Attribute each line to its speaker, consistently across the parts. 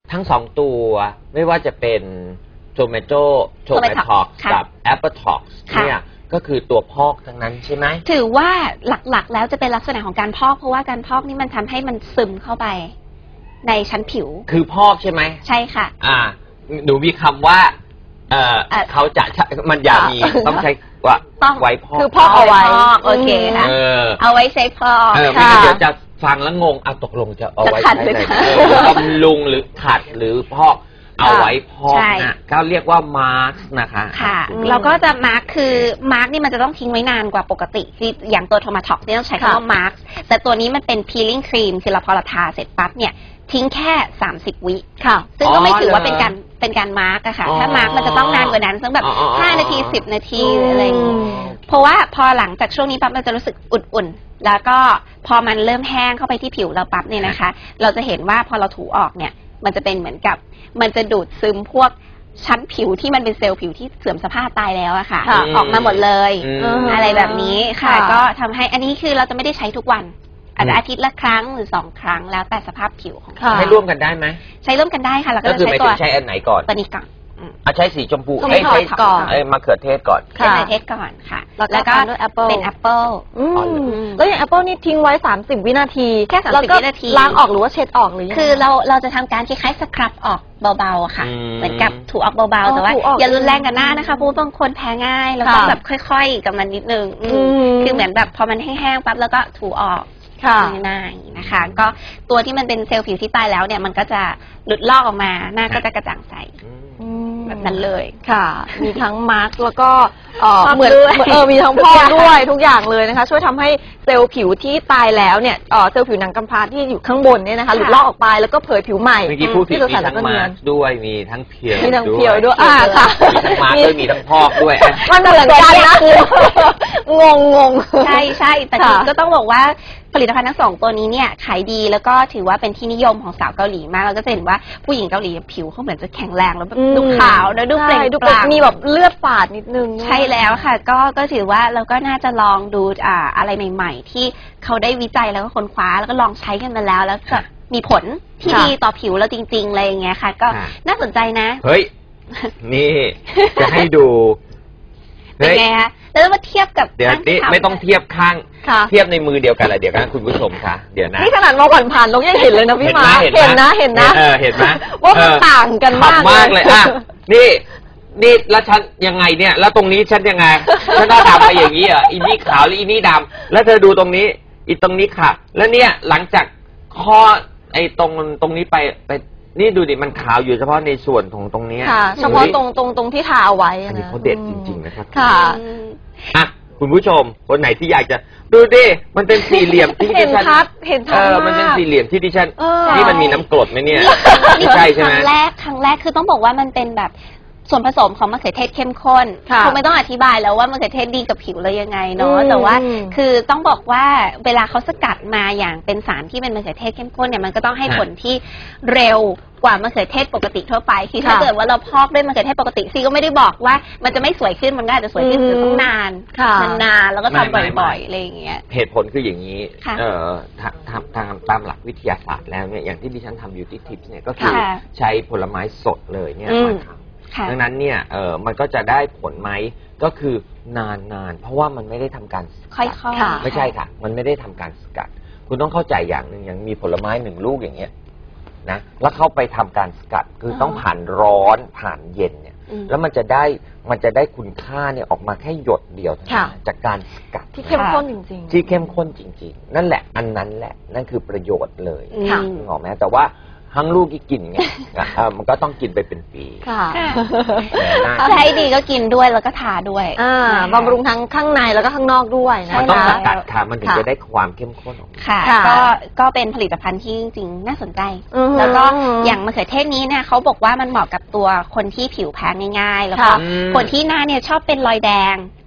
Speaker 1: ทั้งสองตัวไม่ว่าจะเป็นโทเมโตท็อกกับแอปเปิลท็อกเนี่ยก็คือตัวพอกทั้งนั้นใช่ไหม
Speaker 2: ถือว่าหลักๆแล้วจะเป็นลักษณะของการพอกเพราะว่าการพอกนี่มันทำให้มันซึมเข้าไปในชั้นผิว
Speaker 1: คือพอกใช่ไหม
Speaker 2: ใช่ค่ะ
Speaker 1: หนูมีคำว่าเขาจะมันอย่ามีต้องใช้ว่าไว้พอก
Speaker 2: คือพอกเอาไว้โอเคค่ะเอาไว้ใช้พอก
Speaker 1: ไม่งั้นเดี๋ยวจะฟังแล้วงงตกลงจะเอาไว้ใช้ไหนบำรุงหรือขัดหรือพอกเอาไว้พอกนะก็เรียกว่ามาร์กนะคะ
Speaker 2: ค่ะเราก็จะมาร์กคือมาร์กนี่มันจะต้องทิ้งไว้นานกว่าปกติคืออย่างตัวโทมาท็อกนี่ต้องใช้คำว่ามาร์กแต่ตัวนี้มันเป็นพีลิ่งครีมคือเราพอเราทาเสร็จปั๊บเนี่ยทิ้งแค่30 วิค่ะซึ่งก็ไม่ถือว่าเป็นการมาร์กอะค่ะถ้ามาร์กมันจะต้องนานกว่านั้นสักแบบ5 นาที10 นาทีอะไรเพราะว่าพอหลังจากช่วงนี้ปั๊บเราจะรู้สึกอุ่นๆแล้วก็พอมันเริ่มแห้งเข้าไปที่ผิวเราปั๊บเนี่ยนะคะเราจะเห็นว่าพอเราถูออกเนี่ยมันจะเป็นเหมือนกับมันจะดูดซึมพวกชั้นผิวที่มันเป็นเซลล์ผิวที่เสื่อมสภาพตายแล้วอะค่ะออกมาหมดเลยอะไรแบบนี้ค่ะก็ทำให้อันนี้คือเราจะไม่ได้ใช้ทุกวันอาทิตย์ละครั้งหรือ2 ครั้งแล้วแต่สภาพผิวของ
Speaker 1: ใช้ร่วมกันได้ไหม
Speaker 2: ใช้ร่วมกันได้ค่ะแล้วก็
Speaker 1: จะใช้ตัวใช้อันไหนก่อน
Speaker 2: ตัวนี้ก่อน
Speaker 1: ใช้สีชมพู
Speaker 2: ใช้
Speaker 1: ก่อนมะเขือเทศก่อน
Speaker 2: มะเขือเทศก่อนค่ะแล้วก็เป็นแอปเปิล
Speaker 3: แล้วอย่างแอปเปิลนี่ทิ้งไว้30 วินาที
Speaker 2: แค่30 วินาที
Speaker 3: ล้างออกหรือว่าเช็ดออกหรือ
Speaker 2: คือเราจะทำการคล้ายๆสครับออกเบาๆค่ะเหมือนกับถูออกเบาๆแต่ว่าอย่ารุนแรงกับหน้านะคะเพราะบางคนแพ้ง่ายแล้วต้องแบบค่อยๆกับมันนิดนึงคือเหมือนแบบพอมันแห้งๆปั๊บแล้วก็ถูออกง่ายๆนะคะก็ตัวที่มันเป็นเซลล์ผิวที่ตายแล้วเนี่ยมันก็จะหลุดลอกออกมาหน้าก็จะกระจ่างใสแบบนั้นเลย
Speaker 3: ค่ะมีทั้งมาร์กแล้วก็เหมือนมีทั้งพอกด้วยทุกอย่างเลยนะคะช่วยทำให้เซลล์ผิวที่ตายแล้วเนี่ยเซลล์ผิวหนังกำพร้าที่อยู่ข้างบนเนี่ยนะคะหลุดลอกออกไปแล้วก็เผยผิวใหม่
Speaker 1: เมื่อกี้พูดผิดมีทั้งมาร์กด้วยมีทั้งเพียว
Speaker 3: ด้วย
Speaker 1: ค่ะมีทั้งมาร์กด้วยมีทั้งพอกด้วย
Speaker 3: มันเหมือนกันนะงง
Speaker 2: ใช่แต่ก็ต้องบอกว่าผลิตภัณฑ์ทั้ง2 ตัวนี้เนี่ยขายดีแล้วก็ถือว่าเป็นที่นิยมของสาวเกาหลีมากเราก็จะเห็นว่าผู้หญิงเกาหลีผิวเขาเหมือนจะแข็งแรงแล้วดูขาวแล้วดูเปล่งปลั่ง
Speaker 3: มีแบบเลือดฝาดนิดนึง
Speaker 2: ใช่แล้วค่ะก็ถือว่าเราก็น่าจะลองดูอะไรใหม่ๆที่เขาได้วิจัยแล้วก็ค้นคว้าแล้วก็ลองใช้กันมาแล้วจะมีผลที่ดีต่อผิวเราจริงๆอะไรอย่างเงี้ยค่ะก็น่าสนใจนะ
Speaker 1: เฮ้ยนี่จะให้ดู
Speaker 2: เป็นไงคะแล้วมาเทียบกับ
Speaker 1: เดี๋ยวนี้ไม่ต้องเทียบข้างเทียบในมือเดียวกันเลยเดี๋ยวกันคุณผู้ชมคะเดี๋ยวนะ
Speaker 3: นี่ขนาดมองผ่านๆลงยังเห็นเลยนะพี่มาเห็นนะ
Speaker 1: เห็นไหม
Speaker 3: ว่ามันต่างกันมาก
Speaker 1: เลยนี่แล้วฉันยังไงเนี่ยแล้วตรงนี้ฉันยังไงฉันต้องทำไปอย่างนี้เหรออีนี่ขาวหรืออีนี่ดำแล้วเธอดูตรงนี้อีตรงนี้ค่ะแล้วเนี่ยหลังจากข้อไอ้ตรงนี้ไปนี่ดูดิมันขาวอยู่เฉพาะในส่วนของตรงนี้
Speaker 3: ค่ะเฉพาะตรงที่ทาเอาไว้
Speaker 1: อันนี้เขาเด็ดจริงๆนะครับ
Speaker 3: ค่ะ
Speaker 1: คุณผู้ชมคนไหนที่อยากจะดูดิมันเป็นสี่เหลี่ยมที่ดิฉัน
Speaker 3: เห็นชัด
Speaker 1: มันเป็นสี่เหลี่ยมที่ดิฉันนี่มันมีน้ำกรดไหมเนี่ย
Speaker 2: ใช่ใช่ไหมครั้งแรกคือต้องบอกว่ามันเป็นแบบส่วนผสมของมะเขือเทศเข้มข้นคงไม่ต้องอธิบายแล้วว่ามะเขือเทศดีกับผิวเลยยังไงเนาะแต่ว่าคือต้องบอกว่าเวลาเขาสกัดมาอย่างเป็นสารที่เป็นมะเขือเทศเข้มข้นเนี่ยมันก็ต้องให้ผลที่เร็วกว่ามะเขือเทศปกติทั่วไปคือถ้าเกิดว่าเราพอกด้วยมะเขือเทศปกติซีก็ไม่ได้บอกว่ามันจะไม่สวยขึ้นมันก็อาจจะสวยขึ้นแต่ต้องนานแล้วก็ทำบ่อยๆอะไรอย่างเงี้ย
Speaker 1: เหตุผลคืออย่างนี้ทางตามหลักวิทยาศาสตร์แล้วเนี่ยอย่างที่ดิฉันทำ Beauty Tips เนี่ยก็คือใช้ผลไม้สดเลยเนี่ยมาทำดังนั้นเนี่ยมันก็จะได้ผลไหมก็คือนานเพราะว่ามันไม่ได้ทำการสกัดไม่ใช่ค่ะมันไม่ได้ทำการสกัดคุณต้องเข้าใจอย่างหนึ่งอย่างมีผลไม้1 ลูกอย่างเงี้ยนะแล้วเข้าไปทำการสกัดคือต้องผ่านร้อนผ่านเย็นเนี่ยแล้วมันจะได้คุณค่าเนี่ยออกมาแค่หยดเดียวจากการสกัด
Speaker 3: ที่เข้มข้นจริง
Speaker 1: ๆที่เข้มข้นจริงๆนั่นแหละอันนั้นแหละนั่นคือประโยชน์เลยนึกออกไหมแต่ว่าทั้งลูกที่กินไงมันก็ต้องกินไปเป็นปี
Speaker 2: ถ้าให้ดีก็กินด้วยแล้วก็ทาด้วย
Speaker 3: บำรุงทั้งข้างในแล้วก็ข้างนอกด้วย
Speaker 1: นะมันต้องสกัดค่ะมันถึงจะได้ความเข้มข้นออกมา
Speaker 2: ค่ะก็เป็นผลิตภัณฑ์ที่จริงๆน่าสนใจแล้วก็อย่างมะเขือเทศนี้เนี่ยเขาบอกว่ามันเหมาะกับตัวคนที่ผิวแพ้ง่ายๆแล้วก็คนที่หน้าเนี่ยชอบเป็นรอยแดง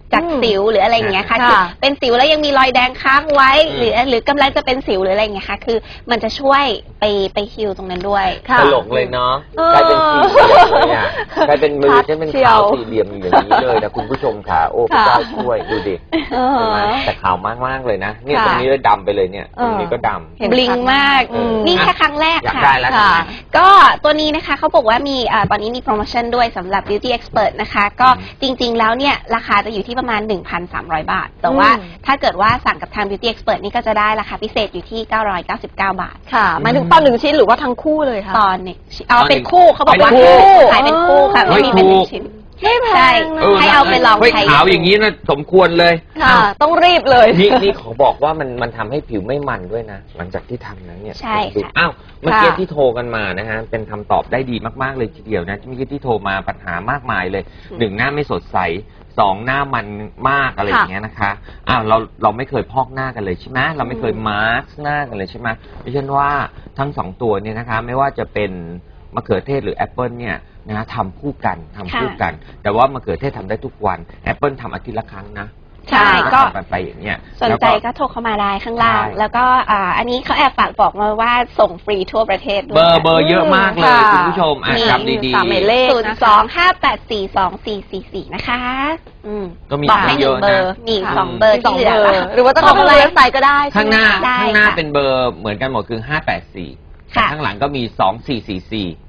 Speaker 2: จากสิวหรืออะไรอย่างเงี้ยค่ะคือเป็นสิวแล้วยังมีรอยแดงค้างไว้หรือกำลังจะเป็นสิวหรืออะไรอย่างเงี้ยค่ะคือมันจะช่วยไปฮิลตรงนั้นด้วย
Speaker 1: ตลกเลยเนาะกลายเป็นสี่เหลี่ยมเลยอ่ะกลายเป็นมือจะเป็นขาวสี่เหลี่ยมอย่างนี้เลยนะคุณผู้ชมค่ะโอ้พระเจ้าช่วยดูดิใช่ไหมแต่ขาวมากๆเลยนะเนี่ยตรงนี้ก็ดำไปเลยเนี่ยตรงนี้ก็ดำ
Speaker 2: บลิงมากนี่แค่ครั้งแรกค่ะก็ตัวนี้นะคะเขาบอกว่ามีตอนนี้มีโปรโมชั่นด้วยสำหรับ Beauty Expert นะคะก็จริงๆแล้วเนี่ยราคาจะอยู่ที่ประมาณ 1,300 บาทแต่ว่าถ้าเกิดว่าสั่งกับทาง Beauty Expert นี่ก็จะได้ราคาพิเศษอยู่ที่999 บาท
Speaker 3: ค่ะหมายถึงตอน1ชิ้นหรือว่าทั้งคู่เลยคะ
Speaker 2: ตอนนี้เป็นคู่เขาบอกว่าขายเป็นคู่ค่ะไม่มีเป็น1ชิ้น
Speaker 3: ไม่แพง
Speaker 2: ให้เอาไปลองใช้
Speaker 1: ขาวอย่างนี้นะสมควรเลย
Speaker 3: ค่ะต้องรีบเลย
Speaker 1: นี่ขอบอกว่ามันทำให้ผิวไม่มันด้วยนะหลังจากที่ทำนั้นเนี่ย
Speaker 2: ใช่
Speaker 1: อ้าวเมื่อกี้ที่โทรกันมานะฮะเป็นคำตอบได้ดีมากๆเลยทีเดียวนะเมื่อกี้ที่โทรมาปัญหามากมายเลย1หน้าไม่สดใส2หน้ามันมากอะไรอย่างเงี้ยนะคะอ้าวเราไม่เคยพอกหน้ากันเลยใช่ไหมเราไม่เคยมาร์กหน้ากันเลยใช่ไหมดิฉันว่าทั้ง2ตัวเนี่ยนะคะไม่ว่าจะเป็นมะเขือเทศหรือแอปเปิลเนี่ยนะทำคู่กันแต่ว่ามะเขือเทศทำได้ทุกวันแอปเปิลทำอาทิตย์ละครั้งนะ
Speaker 2: ใช่ก็
Speaker 1: ไปอย่างเงี้ย
Speaker 2: สนใจก็โทรเข้ามาได้ข้างล่างแล้วก็อันนี้เขาแอบฝากบอกมาว่าส่งฟรีทั่วประเทศ
Speaker 1: เบอร์เยอะมากเลยคุณผู้ชมจำดี
Speaker 3: ๆหมายเลข
Speaker 2: 02-584-2444นะคะ
Speaker 1: ก็มีเยอะนะ
Speaker 2: มี2 เบอร์ที่เหลือ
Speaker 3: หรือว่าต้องเข้าไปเว็บไซต์ก็ได้
Speaker 1: ข้างหน้าเป็นเบอร์เหมือนกันหมดคือ584ข้างหลังก็มี2444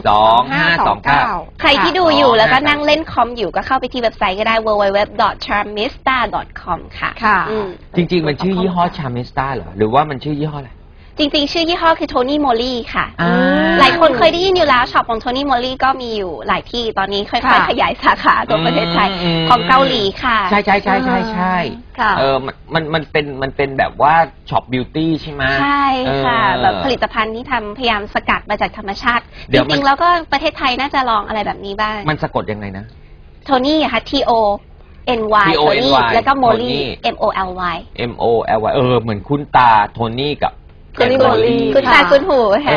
Speaker 1: 2529
Speaker 2: ใครที่ดูอยู่แล้วก็นั่งเล่นคอมอยู่ก็เข้าไปที่เว็บไซต์ก็ได้ www.charmista.com ค่ะ
Speaker 1: จริงๆมันชื่อยี่ห้อ Charmista เหรอหรือว่ามันชื่อยี่ห้ออะไร
Speaker 2: จริงๆชื่อยี่ห้อคือโทนี่โมลี่ค่ะหลายคนเคยได้ยินอยู่แล้วช็อปของโทนี่โมลี่ก็มีอยู่หลายที่ตอนนี้ค่อยๆขยายสาขาตัวประเทศไทยของเกาหลีค่ะ
Speaker 1: ใช่มันเป็นแบบว่าช็อปบิวตี้ใช่ไหม
Speaker 2: ใช่ค่ะแบบผลิตภัณฑ์ที่ทำพยายามสกัดมาจากธรรมชาติจริงๆแล้วก็ประเทศไทยน่าจะลองอะไรแบบนี้บ้าง
Speaker 1: มันสะกดยังไงนะ
Speaker 2: โทนี่ค่ะ TONY โทนี่แล้วก็โมลี่ MOLY
Speaker 1: เหมือนคุ้นตาโทนี่กับ
Speaker 3: โทนี่โมลี่
Speaker 2: คุณตาคุณหูค่ะ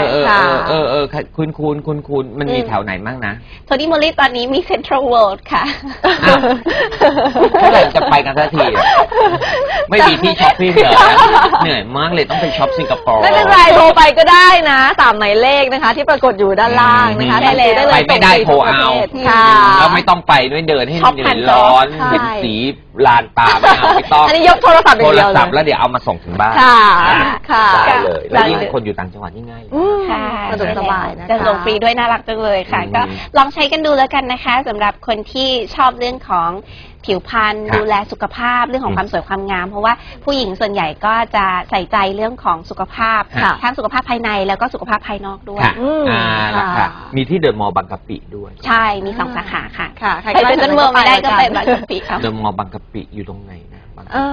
Speaker 1: คุณมันมีแถวไหนบ้างนะ
Speaker 2: โทนี่โมลี่ตอนนี้มีเซ็นทรัลเวิลด์ค่ะ
Speaker 1: เมื่อไหร่จะไปกันสักทีไม่มีที่ช้อปปิ้งเลยเหนื่อยมากเลยต้องไปช็อปสิงคโปร์
Speaker 3: ไม่เป็นไรโทรไปก็ได้นะ3หมายเลขนะคะที่ปรากฏอยู่ด้านล่างนะคะ
Speaker 1: ได้เลยไปไม่ได้โทรเอาแล้วไม่ต้องไปด้วยเดินให้เหนื่อยร้อนเป็นสีลานตาไม่ต้อง
Speaker 3: อันนี้ยกโทรศัพท์
Speaker 1: แล้วเดี๋ยวเอามาส่งถึงบ้าน
Speaker 3: ค่ะ
Speaker 1: ได้เลยแล้วยิ่งคนอยู่ต่างจังหวัดนี่ง่าย
Speaker 2: ค่ะ
Speaker 3: สะดวกสบายนะคะ
Speaker 2: จะส่งฟรีด้วยน่ารักจังเลยค่ะก็ลองใช้กันดูแล้วกันนะคะสำหรับคนที่ชอบเรื่องของผิวพรรณดูแลสุขภาพเรื่องของความสวยความงามเพราะว่าผู้หญิงส่วนใหญ่ก็จะใส่ใจเรื่องของสุขภาพทั้งสุขภาพภายในแล้วก็สุขภาพภายนอกด้วย
Speaker 1: มีที่เดอะมอลล์บางกะปิด้วย
Speaker 2: ใช่มี2 สาขาค่ะใครไปเดินเมืองไม่ได้ก็ไปบางกะปิ
Speaker 1: เดอะมอลล์บางกะปิอยู่ตรงไหนนะ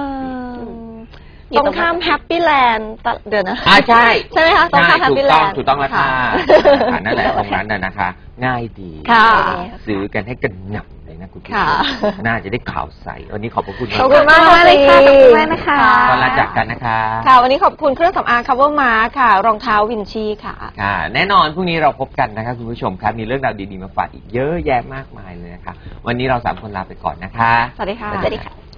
Speaker 3: ตรงข้ามแฮปปี้แลนด์เดี๋ยวนะ
Speaker 1: ใช่
Speaker 3: ไหมคะตรงข้ามแฮปปี้แลนด์
Speaker 1: ถูกต้องแล้วค่ะนั่นแหละตรงนั้นนะคะง่ายดีซื้อกันให้กันหนับเลยนะคุณผู้ชมน่าจะได้ข่าวใสวันนี้ขอบพระคุณ
Speaker 3: ขอบคุณมากเลยค่ะขอบคุณมาก
Speaker 2: นะคะ
Speaker 1: ตอนลาจากกันนะคะ
Speaker 3: ค่ะวันนี้ขอบคุณเครื่องสำอาง Cover Mark ค่ะรองเท้าวินชีค่ะ
Speaker 1: แน่นอนพรุ่งนี้เราพบกันนะคะคุณผู้ชมครับมีเรื่องราวดีๆมาฝากอีกเยอะแยะมากมายเลยนะคะวันนี้เรา3 คนลาไปก่อนนะคะ
Speaker 3: สวัสดีค่ะ
Speaker 2: สวัสดีค่ะ